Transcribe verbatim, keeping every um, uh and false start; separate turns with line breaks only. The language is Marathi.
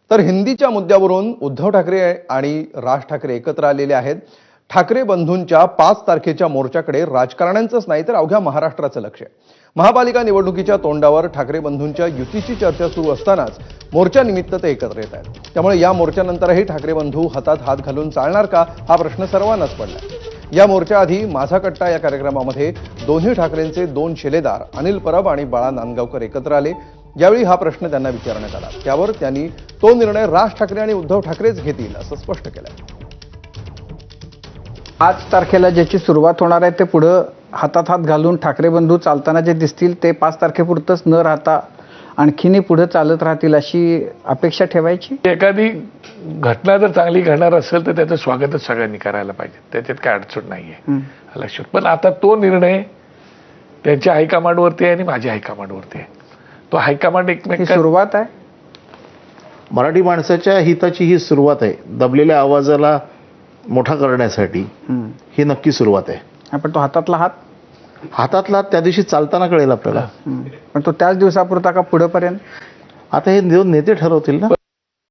तर हिंदीच्या मुद्द्यावरून उद्धव ठाकरे आणि राज ठाकरे एकत्र आलेले आहेत। ठाकरे बंधूंच्या पाच तारखेच्या मोर्चाकडे राजकारण्यांचंच नाही तर अवघ्या महाराष्ट्राचं लक्ष आहे। महापालिका निवडणुकीच्या तोंडावर ठाकरे बंधूंच्या युतीची चर्चा सुरू असतानाच मोर्चानिमित्त ते एकत्र येत आहेत। त्यामुळे या मोर्चानंतरही ठाकरे बंधू हातात हात घालून चालणार का हा प्रश्न सर्वांनाच पडला। या मोर्चाआधी माझा कट्टा या कार्यक्रमामध्ये दोन्ही ठाकरेंचे दोन शिलेदार अनिल परब आणि बाळा नांदगावकर एकत्र आले। यावेळी हा प्रश्न त्यांना विचारण्यात आला, त्यावर त्यांनी तो निर्णय राज ठाकरे आणि उद्धव ठाकरेच घेतील असं स्पष्ट केलं।
पाच तारखेला ज्याची सुरुवात होणार आहे ते पुढे हातात हात घालून ठाकरे बंधू चालताना जे दिसतील ते पाच तारखेपुरतच न राहता आणखीनही पुढे चालत राहतील अशी अपेक्षा ठेवायची।
एखादी घटना जर चांगली घडणार असेल तर त्याचं स्वागतच सगळ्यांनी करायला पाहिजे, त्याच्यात काय अडचण नाहीये लक्षात। पण आता तो निर्णय त्यांच्या हायकमांडवरती आहे आणि माझ्या हायकमांडवरती आहे। तो हायकमांड एकमेक
सुरुवात आहे,
मराठी माणसाच्या हिताची ही सुरुवात आहे। दबलेल्या आवाजाला मोठा करण्यासाठी ही नक्की सुरुवात आहे।
पण तो हातातला हात
हातातला त्या दिवशी चालताना कळेल आपल्याला।
पण तो त्याच दिवसापुरता का पुढेपर्यंत
आता हे दोन नेते ठरवतील ना।